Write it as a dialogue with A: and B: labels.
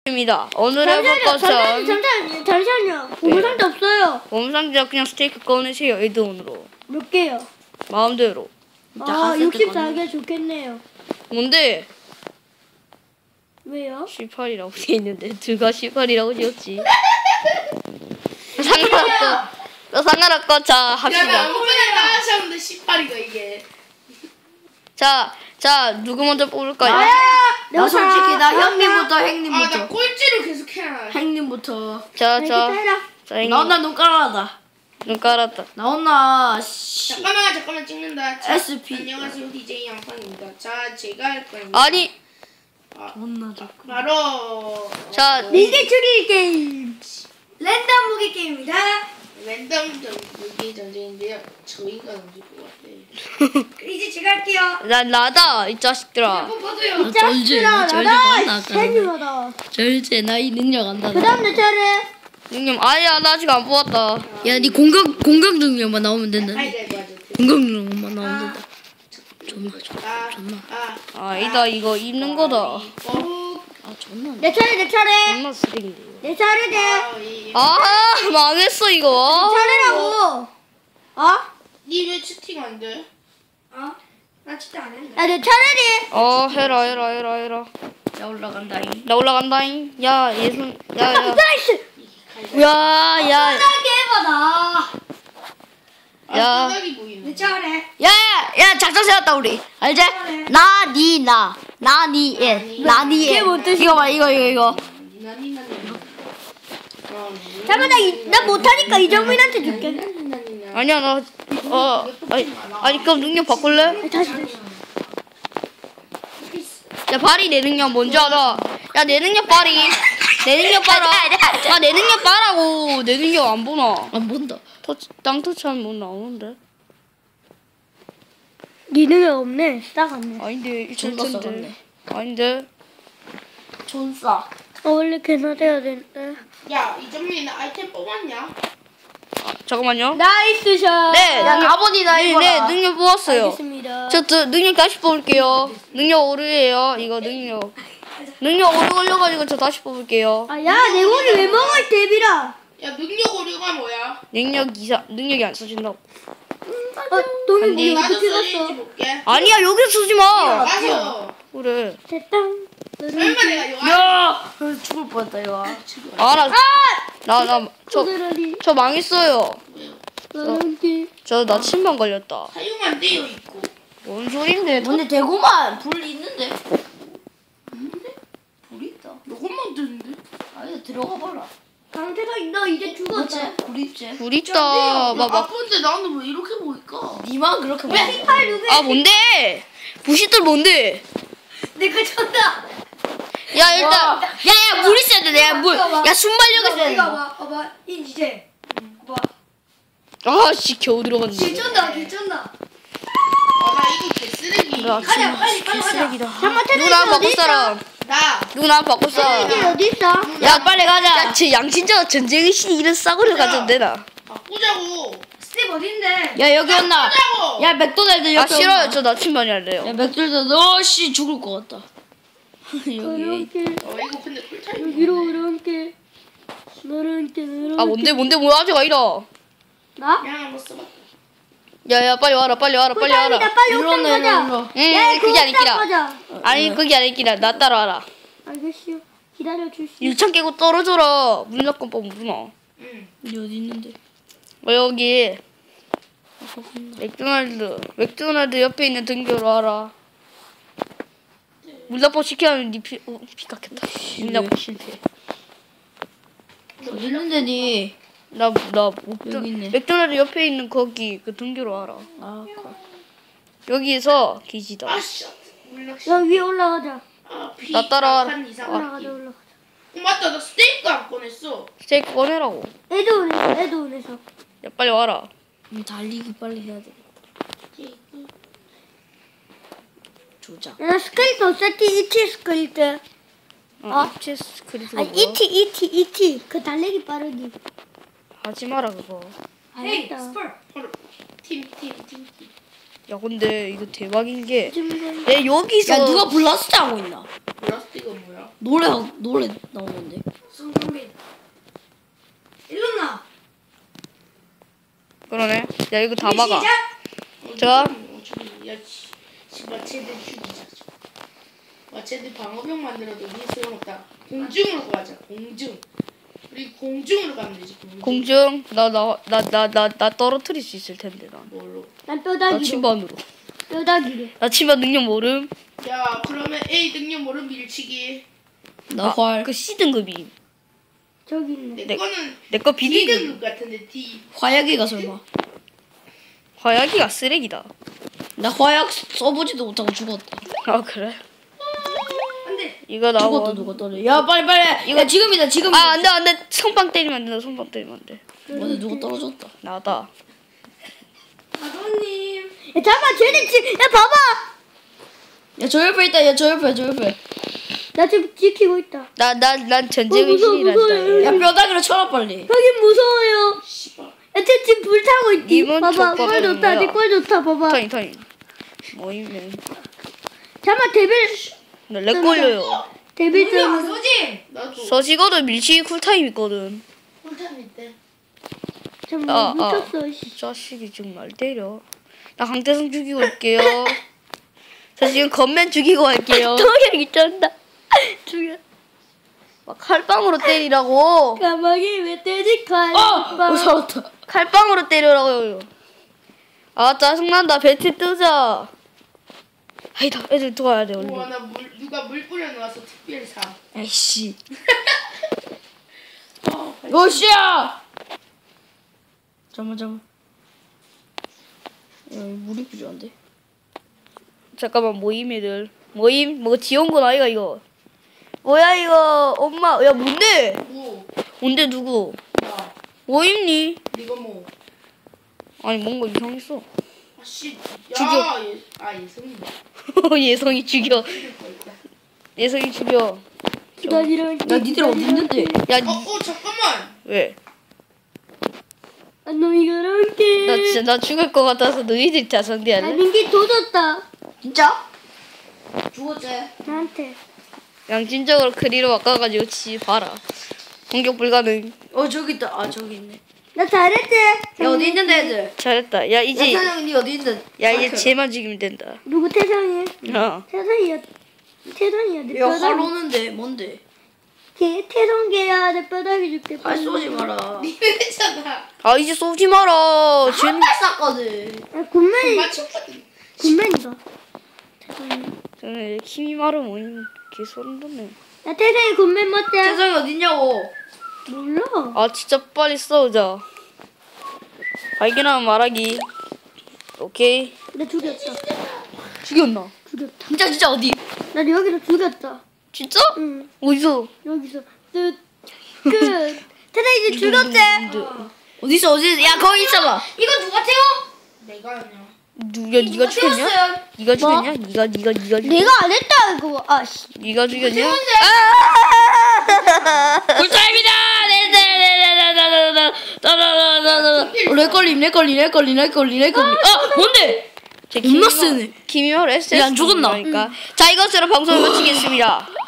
A: 입니다. 오늘 해볼 것은
B: 잠시만요. 보물상자 없어요.
A: 보물상자 그냥 스테이크 꺼내세요. 에드온으로
B: 몇 개요?
A: 마음대로.
B: 64개 좋겠네요.
A: 뭔데?
B: 왜요?
A: 18이라고 돼 있는데 둘가 18이라고 지었지. 상관없고 자 합시다.
C: 아무거나 다 하셨는데 18이가 이게.
A: 자 누구 먼저 뽑을까요?
D: 나 솔직히 나 형님부터 행님부터.
C: 나 꼴찌로 계속 해야.
D: 행님부터.
A: 자
D: 나온나 눈 깔아라.
A: 눈 깔았다.
D: 나온나
C: 잠깐만 찍는다. 자,
D: SP.
C: 안녕하세요 DJ 양팡입니다. 자 제가 할 거예요.
A: 아니
D: 존나 좋고.
C: 바로
B: 밀대 추리 게임. 랜덤 무기 게임입니다.
C: 랜덤 무기 전쟁인데요. 저희가 던질 것 같아.
B: 이제 제가 할게요.
A: 나다 이 자식들아.
B: 이 자식들아 나다. 팬이마다.
D: 절제 나이 능력 안다.
B: 그다음 내 차례.
A: 형님 아니야 나 아직 안 뽑았다.
D: 야, 니 공격 능력만 나오면 된다.
C: 맞아.
D: 공격 능력만 나오면 된다. 존나.
A: 아니다 이거 입는 거다.
D: 아, 존나.
B: 내 차례.
A: 존나 쓰레기인데.
B: 내 차례지.
A: 아 망했어 이거.
B: 차례라고.
C: 니왜 채팅 안 돼?
B: 나 진짜 안 했는데. 내 차례지.
A: 해라.
D: 야, 올라간다잉.
A: 나 올라간다잉. 야 예순. 야.
B: 나이스.
A: 야.
B: 해봐라.
A: 야.
C: 바닥이 보이네.
B: 내 차례.
D: 야, 작전 세웠다 우리. 알지? 나, 니, 예. 나, 니, 예. 이거 봐, 이거.
B: 잠깐만 나 못하니까 이정민한테 줄게.
A: 아니야 나 아니 그럼 능력 바꿀래?
B: 다시.
A: 야 발이 내 능력 뭔지 알아? 야 내 능력 발이 내 능력 봐라. 내 능력 봐라고. 내 능력 안 보나?
D: 안 본다.
A: 땅 터치하면 뭐 나오는데?
B: 니는 없네. 싸갔네.
A: 아닌데
D: 존나
A: 1천인데.
D: 싸갔네.
A: 아닌데.
D: 존싸.
B: 원래 걔나 돼야 되는데.
C: 야 이정민은 아이템 뽑았냐?
A: 잠깐만요.
B: 나이스 샷.
A: 네.
D: 야, 가본이다,
A: 네,
D: 이거라.
A: 능력 뽑았어요.
B: 알겠습니다.
A: 저 능력 다시 뽑을게요. 능력 오르예요. 이거 능력 오르 걸려가지고 저 다시 뽑을게요.
B: 내 고기 왜 먹어 이 데비라.
C: 야 능력 오류가 뭐야?
A: 능력이 안 써진다고.
B: 돈이
A: 아니.
B: 뭐
C: 나도
B: 어떻게
C: 써진지
B: 갔어?
C: 볼게.
A: 아니야 여기 쓰지 마.
C: 맞아.
A: 그래.
B: 됐다.
C: 설마 내가 요
D: 야! 죽을 뻔했다, 이거.
A: 저 망했어요.
B: 너한테.
A: 나 침방 걸렸다.
C: 사용 안 되어 있고.
A: 뭔 소린데?
D: 근데 대구만 불 있는데? 불 있다.
C: 이것만 뜨는데?
D: 아니, 들어가 봐라.
B: 강태가 너 이제 죽었어.
D: 불 있지?
A: 불 있다.
C: 아픈데 나는 왜 이렇게 보일까?
D: 니만 그렇게 봐.
B: 팔 누구야?
A: 아 뭔데? 부시들 뭔데?
B: 내가 쳤다.
A: 야 일단
D: 야, 물 있어야 돼, 내가 물. 야, 순발력 있어야 돼.
B: 봐봐. 이제. 봐.
A: 아씨 겨우 들어갔네.
B: 길쳤나?
C: 나 이거 개쓰레기.
A: 나
B: 가자 빨리
A: 쓰레기다.
B: 잠깐만
A: 누구 나 바꿀 사람?
C: 나.
A: 누구 나 바꿀 사람?
B: 어디 있어?
A: 야 빨리 가자. 쟤 양친자 전쟁의 신 이런 싸구려 가져도 되나?
C: 바꾸자고.
B: 스텝 어딘데?
D: 야, 여기 왔나?
C: 바꾸자고.
D: 야, 맥도날드
A: 아
D: 옆에
A: 싫어요.
D: 온나?
A: 저 나침반이 할래요.
D: 야, 맥도날드 너씨 죽을 것 같다. 여기.
B: 이렇게
C: 이거 근데 꿀타임.
B: 여기로 이렇게 이렇게
A: 아 뭔데 뭐 아직 아니라.
B: 나?
C: 그냥 한번 써봐.
A: 야야 빨리 와라.
B: 빨리
A: 일로
B: 옥상 가자.
A: 응 그게 아니기라.
B: 가자.
A: 아니 그게 아니기라. 나 따라와라.
B: 알겠슈. 기다려 주시.
A: 유창 깨고 떨어져라. 문학권법 무나.
C: 응.
D: 니 어디 있는데?
A: 여기 맥도날드 옆에 있는 등교로 와라. 문학법 시켜면 피 깎였다. 문학법 실패.
D: 어디 있는데, 니?
A: 나
D: 여기 있네.
A: 맥도날드 옆에 있는 거기 그 등교로 와라.
D: 아,
A: 여기에서 기지다.
C: 아씨. 물낚시.
B: 야 위에 올라가자.
A: 나 따라와라.
C: 한 이상.
B: 올라가자.
C: 맞다. 나 스테이크 안 꺼냈어.
A: 스테이크 꺼내라고.
B: 에드온에서.
A: 야 빨리 와라.
D: 달리기 빨리 해야 돼. 조작.
B: 야 스크립트 없었지? 이티 스크립트.
A: 체스 크리스.
B: 아니 이티. 그 달리기 빠르기.
A: 하지 마라 그거.
B: 알겠다.
C: 바로 팀.
A: 야 근데 이거 대박인 게 야 여기서
D: 야 누가 블라스트 하고 있나?
C: 플라스틱은 뭐야?
D: 노래 나오는데.
B: 성경빈. 일어나.
A: 그러네. 야 이거 다 막아.
B: 시작.
A: 자.
C: 야, 마체들 죽이자. 마체들 방어병 만들어도 니 소용없다. 공중으로 가자. 공중. 우리 공중으로 가면 되지.
A: 공중 나 떨어뜨릴 수 있을 텐데 난.
C: 뭘로?
B: 난
A: 나
B: 뼈다귀로.
A: 침반으로.
B: 뼈다귀로.
A: 나 침반 능력 모름.
C: 야, 그러면 A 능력 모른 밀치기.
D: 나 활.
A: 그 C 등급이.
B: 저기 있네.
C: 내 거는
A: 내 거
C: D
A: B 등급.
C: 등급 같은데 D.
D: 화약이가 설마.
A: 화약이가 쓰레기다.
D: 나 화약 써보지도 못하고 죽었다.
A: 아 그래?
B: 안돼.
A: 이거 나와.
D: 죽었다 누가 떨어. 야 빨리. 이거 지금이다 지금.
A: 아 안돼 손빵 때리면 안 된다. 손빵 때리면 안 돼.
D: 맞아 누가 떨어졌다.
A: 나다.
B: 아버님. 야 잠깐 쟤네 야 봐봐.
D: 야 저 옆에 있다. 야 저 옆에.
B: 나 지금 지키고 있다.
A: 난 전쟁의
B: 무서워,
A: 신이란다.
B: 무서워요.
D: 야 뼈다귀로 쳐라 빨리.
B: 여긴 무서워요.
C: 씨발.
B: 야, 쟤 지금 불 타고 있지.
A: 이번
B: 봐봐, 꼴
A: 족밥은
B: 좋다.
A: 뭐야?
B: 네꼴 좋다. 봐봐.
A: 타임. 모임네.
B: 잠깐 데빌
A: 나렉 걸려요.
B: 데빌 좀.
C: 소진. 나도.
A: 서식어도 밀치기 쿨타임 있거든.
C: 꿀탐 있대.
B: 잠깐 미쳤어.
A: 이 자식이 지금 날 때려. 나 강태성 죽이고 올게요. 저 지금 겉맨 죽이고 갈게요.
B: 동혁이 쩐다. 죽여.
A: 막 칼빵으로 때리라고.
B: 가만히 왜 때지?
D: 살았다.
A: 칼빵으로 때리라고요. 아 짜증난다. 배트 뜨자. 아니다. 애들 들어가야 돼 얼른.
C: 우와, 누가 물 뿌려놓아서 특별 상.
D: 에이씨. 오씨야. 잠깐만. 야 물이 필요한데.
A: 잠깐만 모임 애들. 모임 뭐 지원군 아이가 이거. 뭐야 이거 엄마 야 뭔데?
C: 뭐?
A: 뭔데 누구?
C: 나.
A: 모임니?
C: 니가 뭐?
A: 아니 뭔가 이상했어.
C: 아씨.
A: 죽여.
C: 야, 예성이.
A: 예성이 죽여.
C: 죽일 거였다.
A: 예성이 죽여.
B: 기다리라.
D: 나 니들 어디 있는데?
A: 야
C: 잠깐만.
A: 왜?
B: 놈이 그렇게.
A: 나 진짜 나 죽을 것 같아서 너희들 다
B: 나
A: 상대할래?
B: 민기 도졌다.
D: 진짜? 죽었지?
B: 나한테.
A: 양심적으로 크리로 바꿔가지고 치 봐라. 공격 불가능.
D: 저기 있다. 아 저기 있네.
B: 나 잘했지?
D: 야 어디 있는데 애들?
A: 잘했다. 야 이제
D: 사장님 니 어디 있는데?
A: 야 이제 쟤만 죽이면 된다.
B: 누구 태성이?
A: 어.
B: 태성이야. 태성이야. 내
D: 야
B: 뼈다귀.
D: 활 오는데 뭔데?
B: 걔 태성개야. 내 뼈다귀 줄게.
D: 활 쏘지 마라.
C: 니네잖아.
A: 아 이제 쏘지 마라. 쟤는
D: 활 쐈거든.
B: 야, 군맨이.
C: 맞췄거든.
B: 군맨이다. 태성이.
A: 저는 힘이 마르 모임 개 소름 돋네.
B: 야 태성이 군맨 맞지?
D: 세상이 어디 있냐고.
B: 몰라.
A: 아 진짜 빨리 싸우자. 발견하면 말하기. 오케이.
B: 나 죽였다.
A: 죽였나?
B: 죽였다.
D: 진짜 어디?
B: 나 여기서 죽였다.
A: 진짜?
B: 응.
A: 어디서?
B: 여기서. 끝. 태성이 이제 죽였지?
D: 어디 있어? 야 거기 있어봐.
B: 이거 누가 태워?
C: 내가 아니야.
A: 누가 네가 죽였냐? 네가 죽였냐? 네가 죽였냐?
B: 내가 안 했다 이거. 아씨.
A: 네가 죽였냐?
D: 꿀타임이다. 렉걸림. 뭔데?
A: 제
D: 겁나 세네.
A: 김이월 SS
D: 야, 안 죽었나?
A: 그러니까. 자 이것으로 방송을 마치겠습니다.